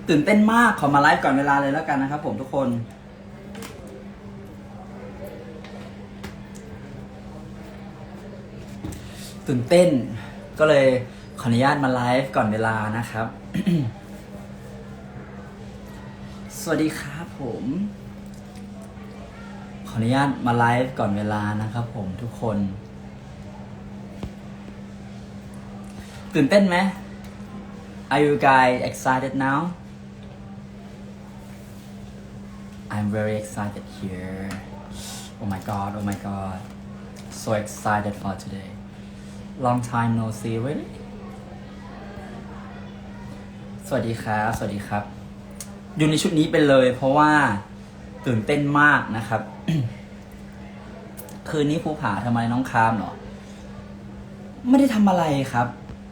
ตื่นเต้นมากขอมาไลฟ์ก่อนเวลาเลยแล้วกันนะครับผมทุกคนตื่นเต้นก็เลยขออนุญาตมาไลฟ์ก่อนเวลานะครับ สวัสดีครับผมขออนุญาตมาไลฟ์ก่อนเวลานะครับผมทุกคนตื่นเต้นไหม Are you guys excited now? I'm very excited here. Oh my god, oh my god. So excited for today. Long time no see, really? สวัสดีครับ สวัสดีครับ อยู่ในชุดนี้ไปเลยเพราะว่าตื่นเต้นมากนะครับ คืนนี้ภูผาทำไมน้องคามเหรอ ไม่ได้ทำอะไรครับ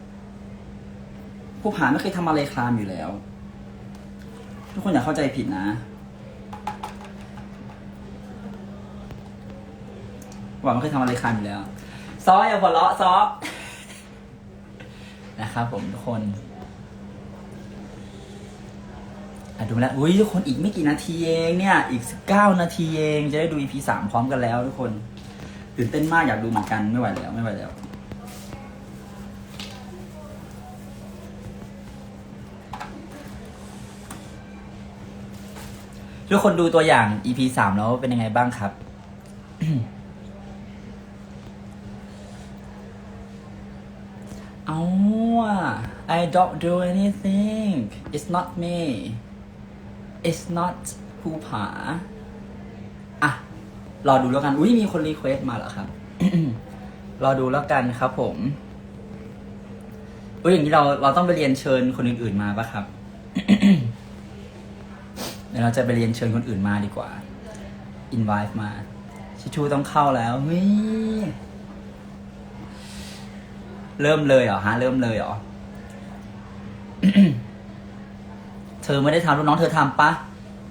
ภูผาไม่เคยทำอะไรคลามอยู่แล้ว ทุกคนอย่าเข้าใจผิดนะหวังไม่เคยทำอะไรคลามอยู่แล้วซออย่าหัวเราะซอ นะครับผมทุกคนดูแล้วอุ้ยทุกคนอีกไม่กี่นาทีเองเนี่ยอีก19 นาทีเองจะได้ดู EP 3 พร้อมกันแล้วทุกคนตื่นเต้นมากอยากดูเหมือนกันไม่ไหวแล้วไม่ไหวแล้วทุกคนดูตัวอย่าง EP 3 แล้วเป็นยังไงบ้างครับ เอา I don't do anything it's not me it's not ภูผาอ่ะรอดูแล้วกันอุ้ยมีคนรีเควสต์มาเหรอครับ รอดูแล้วกันครับผมอุ้ยอย่างนี้เราต้องไปเรียนเชิญคนอื่นๆมาปะครับ เดี๋ยวเราจะไปเรียนเชิญคนอื่นมาดีกว่า invite มาชิชูต้องเข้าแล้วเฮ้ยเริ่มเลยเหรอฮะเริ่มเลยเหรอ เธอไม่ได้ทำลูกน้องเธอทำปะ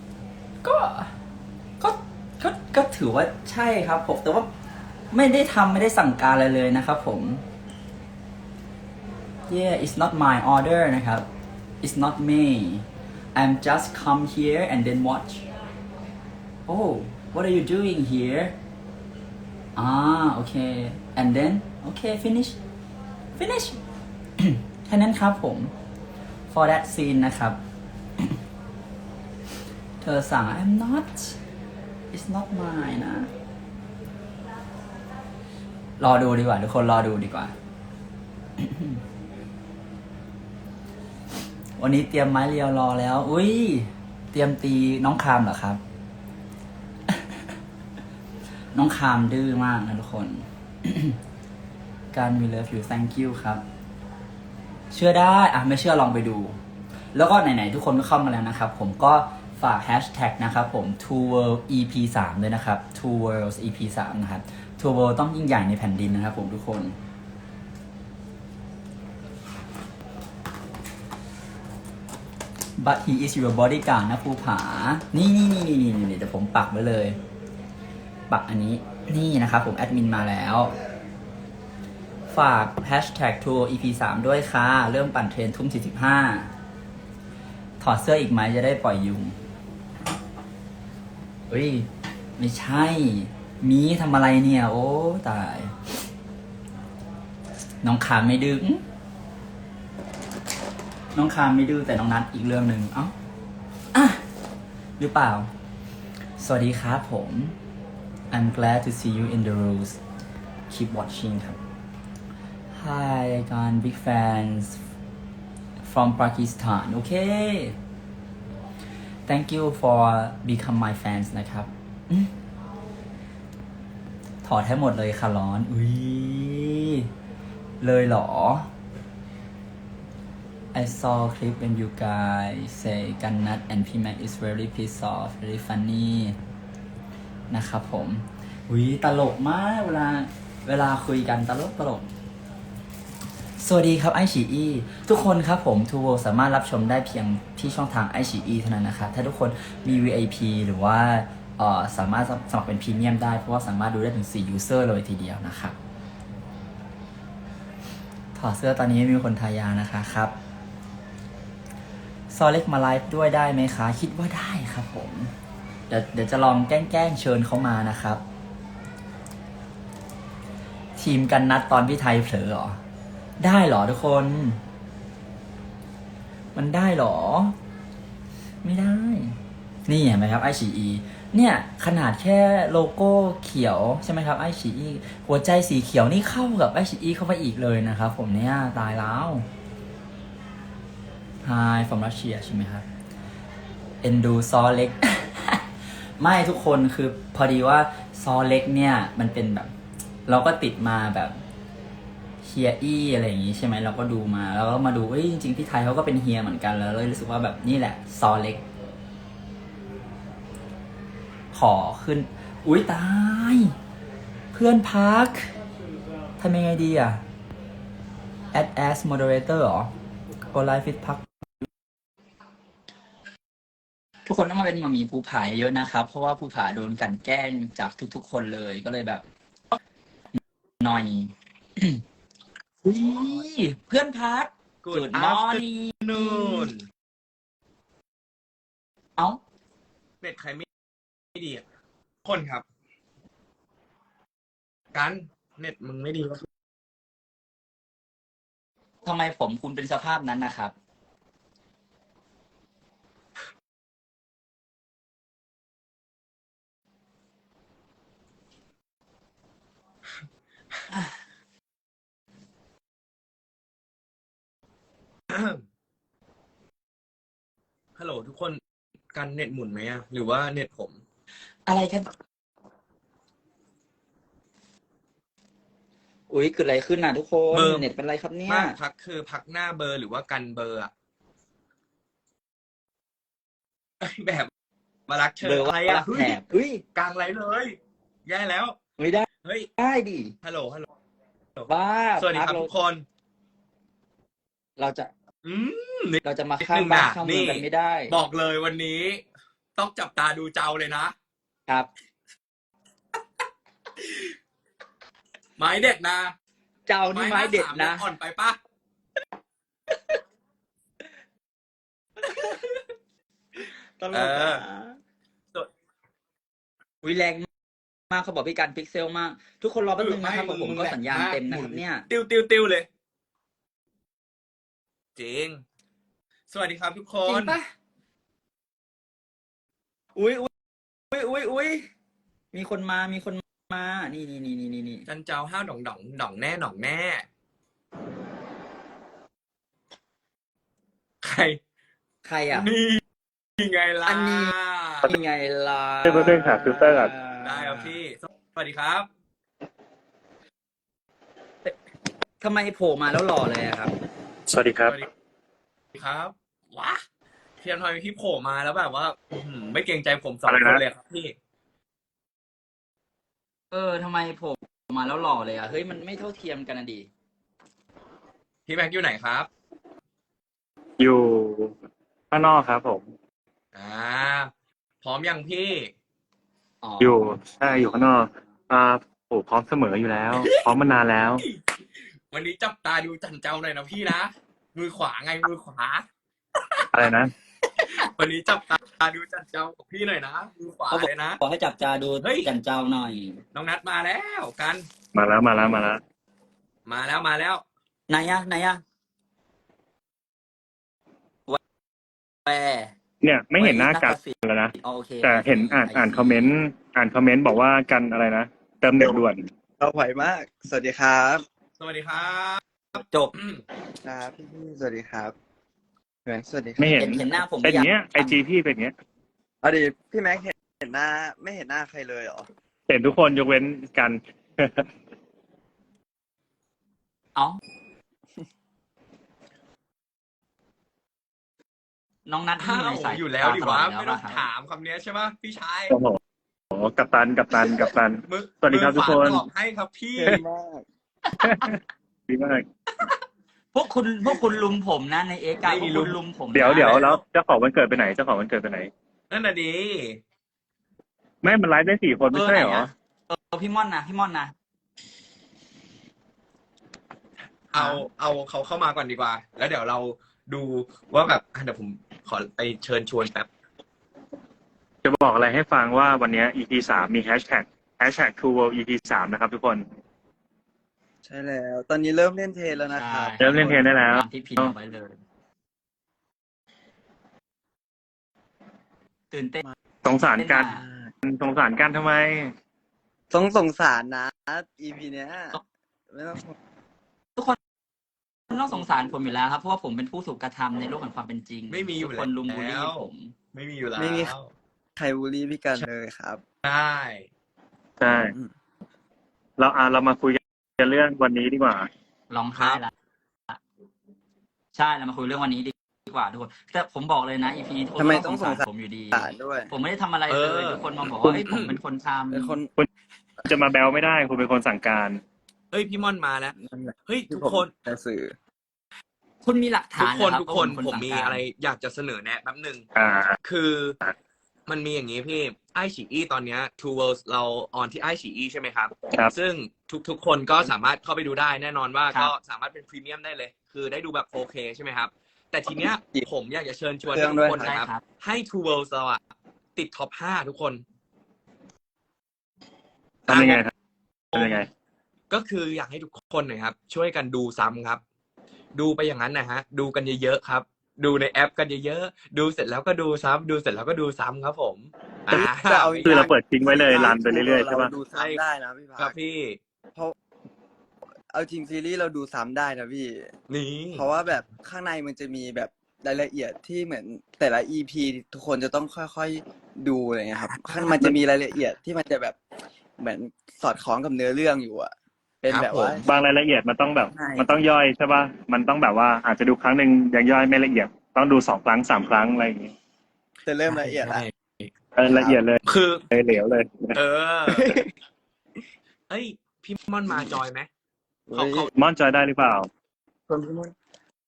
ก็ถือว่าใช่ครับผมแต่ว่าไม่ได้ทำไม่ได้สั่งการอะไรเลยนะครับผม yeah it's not my order นะครับ it's not me I'm just come here and then watch oh what are you doing here okay and then okay finish แค่นั้นครับผม for that scene นะครับ เธอสั่ง I'm not it's not mine นะ รอดูดีกว่าทุกคนรอดูดีกว่า วันนี้เตรียมไม้เรียวรอแล้วอุ้ยเตรียมตีน้องคามเหรอครับ น้องคามดื้อมากนะทุกคน การ we love you thank you ครับเชื่อได้ไม่เชื่อลองไปดูแล้วก็ไหนๆทุกคนก็เข้ามาแล้วนะครับผมก็ฝาก hashtag นะครับผม Two World EP 3ด้วยนะครับ Two Worlds EP 3นะครับ Two World ต้องยิ่งใหญ่ในแผ่นดินนะครับผมทุกคน But he is your bodyguard นะภูผานี่เดี๋ยวผมปักไว้เลยปักอันนี้นี่นะครับผมแอดมินมาแล้วฝาก hashtag Two EP 3ด้วยค่ะเริ่มปั่นเทรนทุ่ม45ถอดเสื้ออีกไหมจะได้ปล่อยยุงเฮ้ยไม่ใช่มีทำอะไรเนี่ยโอ้ตายน้องคามไม่ดื้อน้องคามไม่ดื้อแต่น้องนัทอีกเรื่องหนึ่งเอ้าหรือเปล่าสวัสดีครับผม I'm glad to see you in the rules keep watching ครับ Hi again big fans from Pakistan okay thank you for become my fans นะครับถอดให้หมดเลยค่ะร้อนอุ้ยเลยเหรอ I saw clip when you guys say Ganat and P-Mac is very pissed off very funny นะครับผมอุ้ยตลกมากเวลาคุยกันตลกสวัสดีครับไอฉีอีทุกคนครับผมทูโวสามารถรับชมได้เพียงที่ช่องทางไอฉีอีเท่านั้นนะครับถ้าทุกคนมี VIP หรือว่าสามารถสมัครเป็นพรีเมียมได้เพราะว่าสามารถดูได้ถึง4 user เลยทีเดียวนะครับถอดเสื้อตอนนี้ไม่มีคนทายานะคะครับซอเล็กมาไลฟ์ด้วยได้ไหมคะคิดว่าได้ครับผมเดี๋ยวจะลองแกล้งเชิญเขามานะครับ ทีมกันนัดตอนพี่ไทยเผลอเหรอได้เหรอทุกคน มันได้เหรอ ไม่ได้ นี่เห็นไหมครับไอฉีเนี่ยขนาดแค่โลโก้เขียวใช่ไหมครับไอฉีหัวใจสีเขียวนี่เข้ากับไอฉีเข้าไปอีกเลยนะครับผมเนี่ยตายแล้ว Hi from Russia ใช่ไหมครับเอ็นดูซอเล็ก ไม่ทุกคนคือพอดีว่าซอเล็กเนี่ยมันเป็นแบบ เราก็ติดมาแบบเฮียอี้อะไรอย่างงี้ใช่ไหมเราก็ดูมาแล้วก็มาดูเอ้ยจริงๆพี่ไทยเขาก็เป็นเฮียเหมือนกันแล้วเลยรู้สึกว่าแบบนี่แหละซอเล็ก ขอขึ้น อุ๊ยตาย เพื่อนพักทำยังไงดีอ่ะ add as moderator เหรอ go live fit พัก ทุกคนต้องมาเป็นหมามีภูผาเยอะนะครับ เพราะว่าภูผาโดนกลั่นแกล้งจากทุกๆคนเลยก็เลยแบบหน่อย อุ๊ยเพื่อนพัก Good morning afternoon เอ้าเน็ตใครไม่ดีอ่ะคนครับ กันเน็ตมึงไม่ดีวะทำไมผมคุณเป็นสภาพนั้นนะครับฮัลโหลทุกคนกันเน็ตหมุนไหมอ่ะหรือว่าเน็ตผมอะไรกัน อุ๊ยเกิดอะไรขึ้นน่ะทุกคนเบอร์เน็ตเป็นไรครับเนี่ยมากพักคือพักหน้าเบอร์หรือว่ากันเบอร์อ่ะแบบมารักเธเบออร์อะไรว่าอ่ะรักเฮ้แถยบเฮ้ยกลางไรเลย แย่แล้วไม่ได้เฮ้ยได้ดิฮัลโหลฮัลโหลบ้าสวัสดีครับพักทุกคนเราจะอืมเราจะมาข้ามบ้านข้ามเมืองกันไม่ได้บอกเลยวันนี้ ต้องจับตาดูเจ้าเลยนะครับ ไม้เด็ดนะเจ้านี่ไม้เด็ดนะอ่อนไปปะตลกอ่ะวิแรงมากเขาบอกพี่การพิกเซลมาก ทุกคนรอแป๊บนึงนะครับผมก็สัญญาณเต็มนะครับเนี่ยติวเลย จริง สวัสดีครับทุกคจรินงปะอุ้ยมีคนมา นี่จันเจ้าห้าวด่องแน่ ใครใครอ่ะนี่ไงล่ะอันนี้ ยังไงล่ะเพื่อนๆหาฟิลเตอร์ก่อนได้ครับพี่ สวัสดีครับทำไมโผล่มาแล้วหล่อเลยอะครับสวัสดีครับสวัสดีครับว้าเพียงทอยพี่โผล่มาแล้วแบบว่าไม่เกรงใจผมสองอะไรคนนะเลยครับพี่ทำไมโผล่มาแล้วหล่อเลยอ่ะ เฮ้ยมันไม่เท่าเทียมกันนะดิพี่แม็กอยู่ไหนครับอยู่ข้างนอกครับผมพร้อมยังพี่อยู่ใช่อยู่ข้างนอกโอ้พร้อมเสมออยู่แล้ว พร้อมมานานแล้ววันนี้จับตาดูจันเจ้าหน่อยนะพี่นะ มือขวาไงมือขวาอะไรนะวันนี้จับตาดูจันเจ้ากับพี่หน่อยนะมือขวาเขาบอกเลยนะขอให้จับจาดูเฮ้ยกันเจ้าหน่อยน้องนัดมาแล้วกันมาแล้วมาแล้วไหนอะแวเนี่ยไม่เห็นหน้ากันแล้วนะโอเคแต่เห็นอ่านคอมเมนต์บอกว่ากันอะไรนะเติมเน็ตด่วนเราไหวมาก สวัสดีครับสวัสดีครับจบครับพี่สวัสดีครับแม็กสวัสดีครับไม่เห็นเห็นหน้าผมเป็นอย่างเงี้ยหรือยัง IG พี่เป็นอย่างเงี้ยเอาดิพี่แม็กเห็นหน้าไม่เห็นหน้าใครเลยเหรอเห็นทุกคนยกเว้นกันเอ้าน้องนัดที่อ้าอยู่ในวสายอยู่แล้วดิวะตลดไม่ต้องแล้วถามคำนี้ใช่ปะพี่ชายโอ้โหกัปตันมือสวัสดีครับทุกคนมือขวาตอบให้ครับพี่ดีมากดีมากพวกคุณลุมผมนะในเอกาพวกคุณลุมผมนะเดี๋ยวแล้วเจ้าของวันเกิดไปไหนนั่นน่ะดีไม่มันไลฟ์ได้4 คนไม่ใช่เหรอพี่ม่อนนะเอาเขาเข้ามาก่อนดีกว่า แล้วเดี๋ยวเราดูว่าแบบเดี๋ยวผมขอไปเชิญชวนแป๊บจะบอกอะไรให้ฟังว่าวันนี้ EP 3มีแฮชแท็ก True World EP 3นะครับทุกคนใช่แล้ว ตอนนี้เริ่มเล่นเทรนแล้วนะครับเริ่มเล่นเทรนได้แล้วตามที่พิมพ์เอาไว้เลย ตื่นเต้นสงสารกันมากสงสารกันทำไมต้องสงสารนะ EP เนี้ยไม่ต้องทุกคนต้องสงสารผมอยู่แล้วครับเพราะว่าผมเป็นผู้ถูกกระทำในโลกแห่งความเป็นจริงไม่มีอยู่ทุกคนลุมบูลลี่แล้วผมไม่มีอยู่แล้วไม่มี ใครบูลลี่พี่กันเลยครับใช่ใช่ เรามาคุยกันเรื่องวันนี้ดีกว่าร้องไห้ละใช่เรามาคุยเรื่องวันนี้ดีกว่าทุกคนแต่ผมบอกเลยนะ EP นี้ทุกคนทำไมก็ต้องสงสารสงสารผมอยู่ดีด้วยผมไม่ได้ทำอะไรเลยทุกคนมาบอกว่าเฮ้ยผมเป็นคนทำเป็นคนจะมาแบลไม่ได้คุณเป็นคนสั่งการเฮ้ยพี่ม่อนมาแล้วนั่นแหละเฮ้ยที่ทุกผมคนจะสื่อคุณมีหลักทุฐาก นคนนะรับทุกคนว่าผมมีสั่งกาอะไรอยากจะเสนอแนะแป๊บหนึ่งอ่าคือมันมีอย่างนี้พี่ไอฉีอีตอนเนี้ย Two Worlds เราออนที่ไอฉีอีใช่ไหมครับครับซึ่งทุกคนก็สามารถเข้าไปดูได้แน่นอนว่าครับก็สามารถเป็นพรีเมียมได้เลย คือได้ดูแบบ 4K ใช่ไหมครับ แต่ทีเนี้ยผมอยากจะเชิญชวนเครื่ทุองกด้วยคนใช่นะครับครับให้ Two Worlds เราอะติดท็อป 5 ทุกคนทำยังไงครับทำยังไงก็คืออยากให้ทุกคนนะครับ ช่วยกันดูซ้ำครับ ดูไปอย่างนั้นนะฮะ ดูกันเยอะๆครับ ดูในแอปกันเยอะๆดูเสร็จแล้วก็ดูซ้ำดูเสร็จแล้วก็ดูซ้ำครับผมจะเอาคือเราเปิดทิ้งไว้เลยรันไปเรื่อยๆใช่ปะเราดูซ้ำได้นะพี่ครัพับกพี่เพราะเอาจริงซีรีส์เราดูซ้ำได้นะพี่นี่เพราะว่าแบบข้างในมันจะมีแบบรายละเอียดที่เหมือนแต่ละ EP ทุกคนจะต้องค่อยๆดูอะไรเงี้ยครับข้างมันจะมีรายละเอียดที่มันจะแบบเหมือนสอดคล้องกับเนื้อเรื่องอยู่อะเป็นแบบว่าบางรายละเอียดมันต้องแบบใช่มันต้องย่อยใช่ปะมันต้องแบบว่าอาจจะดูครั้งหนึ่งยังย่อยไม่ละเอียด ต้องดู2 ครั้ง 3 ครั้งอะไรอย่างงี้จะเริ่มละเอียดละละเอียดเลยคือเหลวเลยเออ เอ้ย พี่ม่อนมาจอยไหมเขาม่อนจอยได้หรือเปล่าคนพี่มด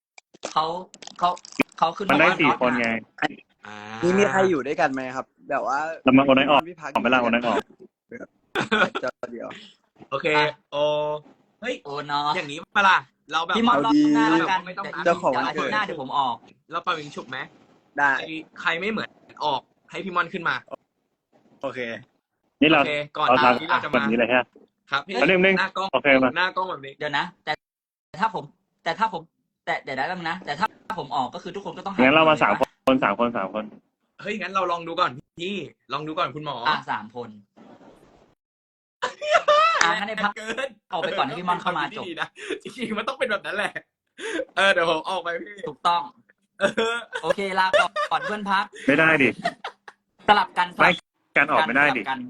เขาขึ้นมันได้ว่า 4 คนไงอ่านี่มีใครอยู่ด้วยกันไหมครับ แบบว่าเรามาโอนน้อยออกพี่พักออกไปละโอนน้อยออกจอเดียวโอเค โอเฮ้ยโอ้เนาะอย่างนี้ปะล่ะเราแบบพี่มอนรอบหน้าเอาดีแล้วกันไม่ต้องเจ้าของวันอาเกิทิตดย์หน้าเดี๋ยวผมออกเราเป่ายิงฉุบไหมได้ใครไม่เหมือนออกให้พี่ม่อนขึ้นมาโอเคนี่เราโอเคก่อนเราหน้าทำที่เราจะแบบมานี้เลยฮะครับพี่เอาเรื่องหนึ่งหน้ากล้องโอเคมาหน้ากล้องแบบนี้เดี๋ยวนะ แต่ถ้าผมเดี๋ยวได้แล้วนะ แต่ถ้าผมออกก็คือทุกคนก็ต้องหงั้นเรามาลย 3 คน3 คน 3 คนเฮ้ยงั้นเราลองดูก่อนพี่ลองดูก่อนคุณหมอ 3 คนงั้นในพักเกินออกไปก่อนให้พี่ม่อนเข้ามาจบดีนะจริงๆมันต้องเป็นแบบนั้นแหละ เดี๋ยวผมออกไปพี่ถูกต้องเออโอเคลาก่อนเพื่อนพักไม่ได้ดิสลับกันไม่ การออกไม่ได้ดิสลับกัน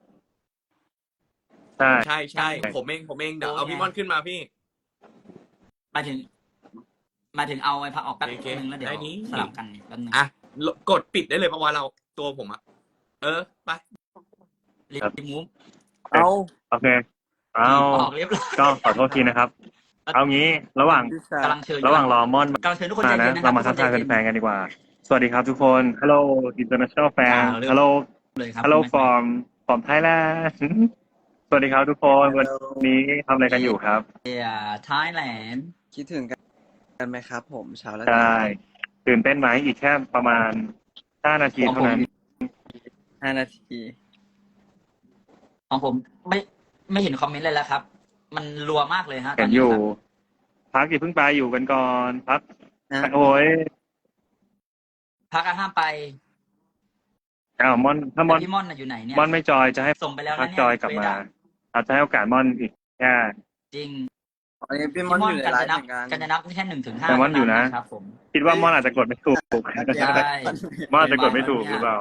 ใช่ใช่ใช่ผมเองเดี๋ยวเอาพี่ม่อนขึ้นมาพี่มาถึงเอาไอ้พักออกแป๊บโอเคนึงแล้วเดี๋ยวได้นี้สลับกันแป๊บนึงอ่ะกดปิดได้เลยเพราะว่าเราตัวผมอะไปรีบมูฟเอาโอเค เอาออกเรียบร้อยก็ขอโทษทีนะครับ เอางี้ระหว่างพี่ชายกำลังเชิญระหว่างรอม่อนกำลังเชิญทุกคนใจมาเย็นะนนะคเรารับมาทักทายแฟนๆกันดีกว่า สวัสดีครับทุกคน Hello International fan Hello เลยครับ Hello from Thailand สวัสดีครับทุกคน วันนี้ทำอะไรกันอยู่ครับไทยแลนด์คิดถึงกันไหมครับ ผมเช้าแล้วใช่ ตื่นเต้นไหมอีกแค่ประมาณ 5 นาทีเท่านั้น 5 นาทีของผมไม่เห็นคอมเมนต์เลยแล้วครับ มันรัวมากเลยฮะตเห็อนนนี้อยู่ครับพักอย่าเพิ่งไปอยู่กันก่อน พักนะโอ้ยพักห้ามไปอ้าวม่อนถ้าม่อนแต่พี่ม่อนน่ะอยู่ไหนเนี่ยม่อนไม่จอยจะให้ส่งไปแล้วพันะกเนี่ยจอยกลับมา อาจจะให้โอกาสม่อนอีกแค่จริงอันนี้พี่พี่มอนม่ออน ยู่ในกันไลจะฟ์นับเหมือนกันกันจะนับแค่1 ถึง 5 แต่ม่อนอยู่นะครับผมคิดว่าม่อนอาจจะกดไม่ถูกใช่ม่อนอาจจะกดไม่ถูกหรือเปล่า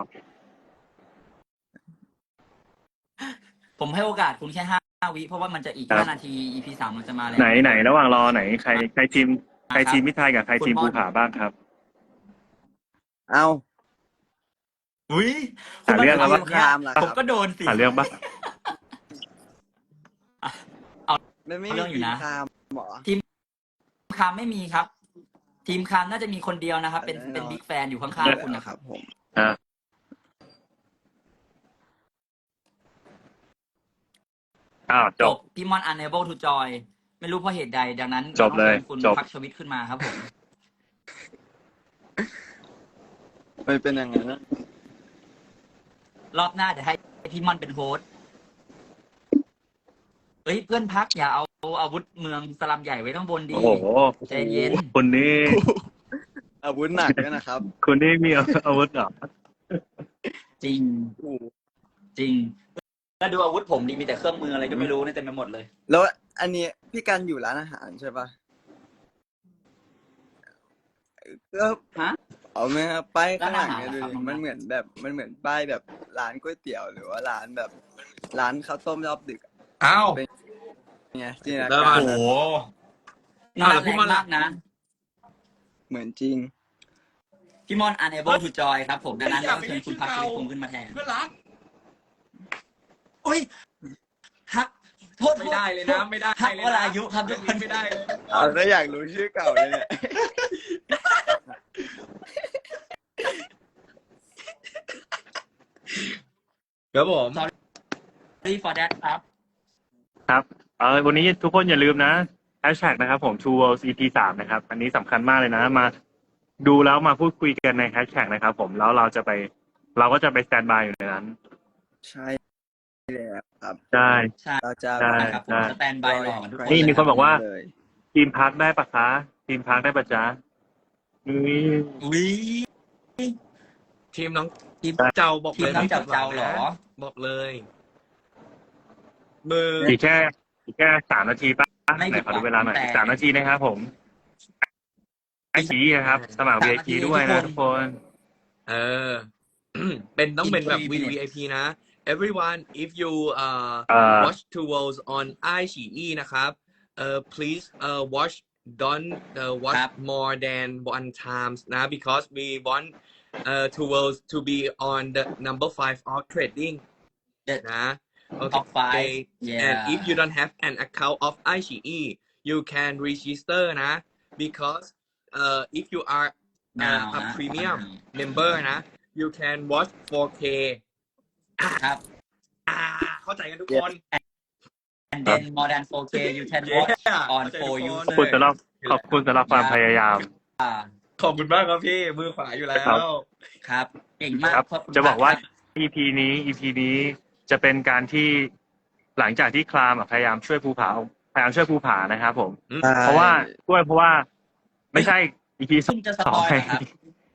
ผมให้โอกาสคุณแค่5 วิเพราะว่ามันจะอีกครับ 5 นาที EP 3มันจะมาแล้วไหนระหว่างรอไหนใครทีมมิตรไทยกับใครทีมคุณม่ภูอนผาบ้างครับเอาอุ้ยหาเรื่องแล้วทีวะมครามล่ะคผรัมบก็โดนสิหาเรื่องปะมันไม่เรื่มีองอยู่ทีมนะครามหรอคามไม่มีครับ ทีมคามน่าจะมีคนเดียวนะครับ เป็นบิ๊กแฟนอยู่ข้างๆคุณนะครับผมอ่ะอ้าวจจบบพี่มอน unable to join ไม่รู้เพราะเหตุใด ดังนั้นจบเลยต้องชิญคุณจบพักชวิตขึ้นมาครับผมมันเป็นอย่างนั้นนะรอบหน้าเดี๋ยวให้พี่ม่อนเป็นโฮสต์เฮ้ยเพื่อนพักอย่าเอาอาวุธเมืองสลัมใหญ่ไว้ข้างบนดีโอ้โหใจเย็นคุณนี่อาวุธหนักด้วยนะครับคุณนี่มีอาวุธเหรอจริงโอ้โหจริงแล้วดูอาวุธผมดีมีแต่เครื่องมืออะไรก็ไม่รู้เนี่ยเต็มไปหมดเลยแล้วอันนี้พี่กันอยู่ร้านอาหารใช่ปะก็ฮะเอาไหมครับป้ายข้างหลังร้านอาหารเนี่ยดูครับดิมันเหมือนแบบมันเหมือนป้ายแบบร้านก๋วยเตี๋ยวหรือว่าร้านแบบร้านข้าวต้มรอบดึกอะอ้าวไงจินตนาแล้วการโอ้โหน่าแล้วพี่แรงม่อนมากนะเหมือนจริงพี่มอน unable to join ครับผมดังนั้นเราเชิญคุณพักคุณพงษ์ขึ้นมาแทนเพื่อนรักโอ้ยฮักโทษไม่ได้เลยนะไม่ได้ฮักเลยวนะรายุครับทุกคนไม่ได้เลยเอาถ้าอยากรู้ชื่อเก่าเลยเนี่ยครับผม sorry for that ครับครับวันนี้ทุกคนอย่าลืมนะแฮชแท็กนะครับผม True World EP 3นะครับ อันนี้สำคัญมากเลยนะ มาดูแล้วมาพูดคุยกันในแฮชแท็กนะครับผมแล้วเราก็จะไปสแตนบายอยู่ในนั้นใช่แล้วครับใช่ใช่เราจะใช่ครับผมสแตนบายรอกันทุกคนนี่มีคนบอกว่าเลยทีมพักได้ปะคะทีมพักได้ปะจ๊ะนี่อุ้ยทีมน้องทีมเจ้าบอกทีเลมยน้องเจ้าเจ้าเหรอบอกเลยมืออีกแค่3 นาทีป่ะไม่ไหนผิดขอดูเวลาหน่อยแต่ 3 นาทีนะครับผมไอชีนะครับ สมัคร 3 VIP ด้วยนะทุกคนเออ ต้องเป็นแบบ In 3 minutes VIP นะ everyone if you watch two worlds on iQIYI นะครับplease watch don't watch ครับ more than one times นะ because we want two worlds to be on the number 5 of trading The นะ top 5 and yeah if you don't have an account of iQIYI you can register นะ because if you are now a นะ premium member นะ you can watch 4K ครับเข้าใจกันทุกคน and then more than 4K you can watch Yeah on เข้าใจ 4 ทุกคนขอบคุณสำหรับความพยายาม user ขอบคุณมากครับพี่ มือขวาอยู่แล้ครับวครับเก่งมากครับขคุณจะบอกว่าครับ EP นี้จะเป็นการที่หลังจากที่คลามพยายามช่วยภูผานะครับผม เพราะว่าไม่ใช่ EP ซึ่งจะสปอยล์เหรอครับ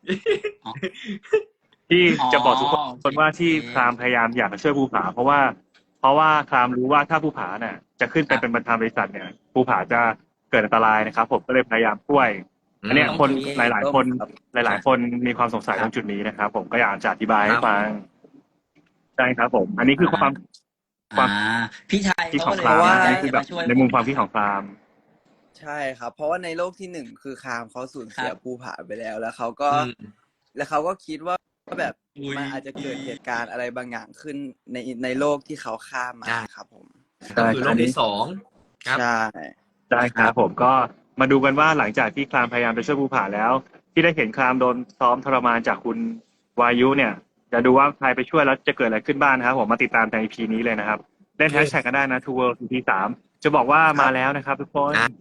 ที่จะบอกทุกอ๋อคนว่าที่โอเคคลามพยายามอยากจะช่วยภูผาเพราะว่าคลามรู้ว่าถ้าภูผาเนี่ยจะขึ้นไปเป็นประธานบริษัทเนี่ยภูผาจะเกิดอันตรายนะครับ ผมก็เลยพยายามช่วย อันเนี้ยคนหลายๆคนมีความสงสัยตรงจุดนี้นะครับ ผมก็อยากจะอธิบายให้ฟังใช่ครับ ผม อันนี้คือความอ่าพี่ชายคิดเขาของเลยคลามว่าอันนี้คือแบบจะมาช่วยในมุมความคิดของคลามใช่ครับ เพราะว่าในโลกที่หนึ่งคือคามเขาสูญเสียภูผาไปแล้ว แล้วเขาก็คิดว่าแบบอุ๊ยมันอาจจะเกิดเหตุการณ์อะไรบางอย่างขึ้นในโลกที่เขาข้ามมาครับผมก็คือโลกที่สอง ครับใช่ได้ครับผมก็มาดูกันว่าหลังจากที่คลามพยายามจะช่วยภูผาแล้ว ที่ได้เห็นคลามโดนซ้อมทรมานจากคุณวายุเนี่ยจะดูว่าใครไปช่วยแล้วจะเกิดอะไรขึ้นบ้างนะครับผมมาติดตามใน EP นี้เลยนะครับเล่นแฮชแท็กกันได้นะ Two World EP 3จะบอกว่ามาแล้วนะครับทุกคน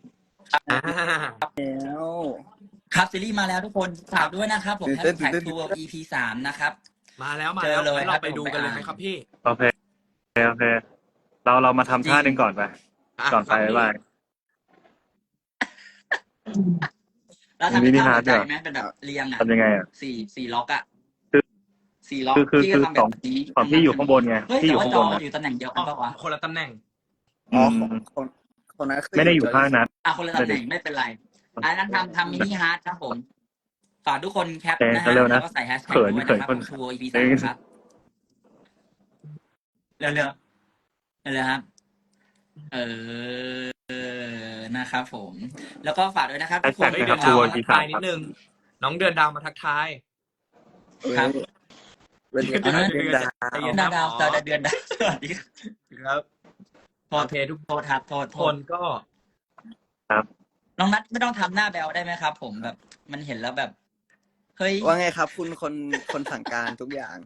แล้วครับซีรีส์มาแล้วทุกคนฝากด้วยนะครับผมตื่นเต้นแท็ก Tour EP 3นะครับมาแล้วเจอเลยงั้นเราครับไปดูกันเลยไหมผมไปครับพี่โอเคเรามาทำท่าหนึ่งก่อนไปก่อนไปบ๊ายบายแล้วทำมิเป็นนิท่าฮาร์หัทวใจด้วยไหมเป็นแบบเรียงอ่ะทำยังไงอ่ะสี่ล็อกอ่ะคือ 4 ล็อกคือพี่ก็ทำแบบนี้ของพี่อยู่ข้างบนไงเฮ้ยพี่อแต่ยู่ว่าข้างจบอนนะอยู่ตำแหน่งเดียวกันปะวะคนละตำแหน่งอ๋อคนนั้นคือไม่ได้อยู่ข้างนั้นคนละตำแหน่งไม่เป็นไรอันนั้นทำมินิฮาร์ดครับผมฝากทุกคนแคปนะแต่ฮะเร็วนะแล้วก็ใส่แฮชแท็กด้วยนะครับผม Tour EP 3ครับเร็วครับ นะครับผม แล้วก็ฝากด้วยนะครับทุกคนแฮชเฮ้ยแท็เดืกอนครับดาวมาทักทายนิดนึง น้องเดือนดาวมาทักทายครับวันนี้เดือนเดือนดาวเดือนดาวเดือนดาวสวัสดีครับครับโทษทุกคนครับโทษคนก็น้องนัทไม่ต้องทำหน้าแบลได้ไหมครับ ผมแบบมันเห็นแล้วแบบเฮ้ยว่าไงครับ คุณคนสั่งการทุกอย่าง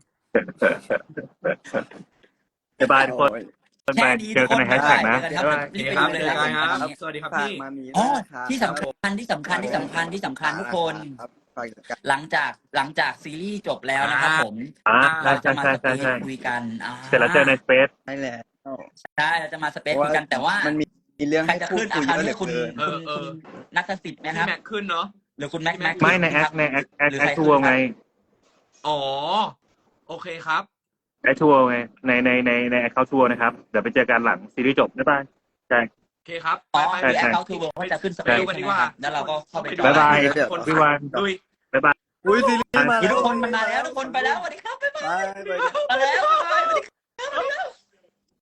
บ๊ายบายทุกคนโอ้ยแค่นี้เจอกันในแฮชแท็กนะเจอกันครับโอเคครับเจอกันครับ สวัสดีครับฝากพี่มามีอ๋อด้วยนะครับที่สำคัญทุกคนครับทุกคนฝากกันหลังจากซีรีส์จบแล้วนะครับผมใช่เราจะมาใช่สใช่เปใช่ซคุยกันเสร็จแล้วเจอในสเปซได้แล้วใช่เราจะมาสเปซคุยกันแต่ว่ามันมีเรื่องใครให้จะพูดขึ้นคุยคราวเยอะเหลืนี้อคุณเกินคุณนัทสิทธิ์ไหมคพี่รับแม็กขึ้นเนาะหรือคุณแม็กไม่ในแอคหรือในแอใครคทัวร์ไงอ๋อโอเคครับแอคทัวร์ไงในแอคเคาท์ทัวร์นะครับเดี๋ยวไปเจอกันหลังซีรีส์จบบ๊ายบายใช่โอเคครับอ๋อไปคือไปแอคเคาท์ทูเวิร์ก็จะขึ้นสเปซไปดูกันใช่ดีไหมกว่าครับแล้วเราก็เข้าไปบ๊ายบายเดี๋ยวคนพี่วันดุยบ๊ายบายอุ้ยซีรีส์มาคือแล้วทุกคนมันมาแล้วทุกคนไปแล้วสวัสดีครับบ๊ายบายไปมาแล้วบ๊ายบายสวัสดีครับ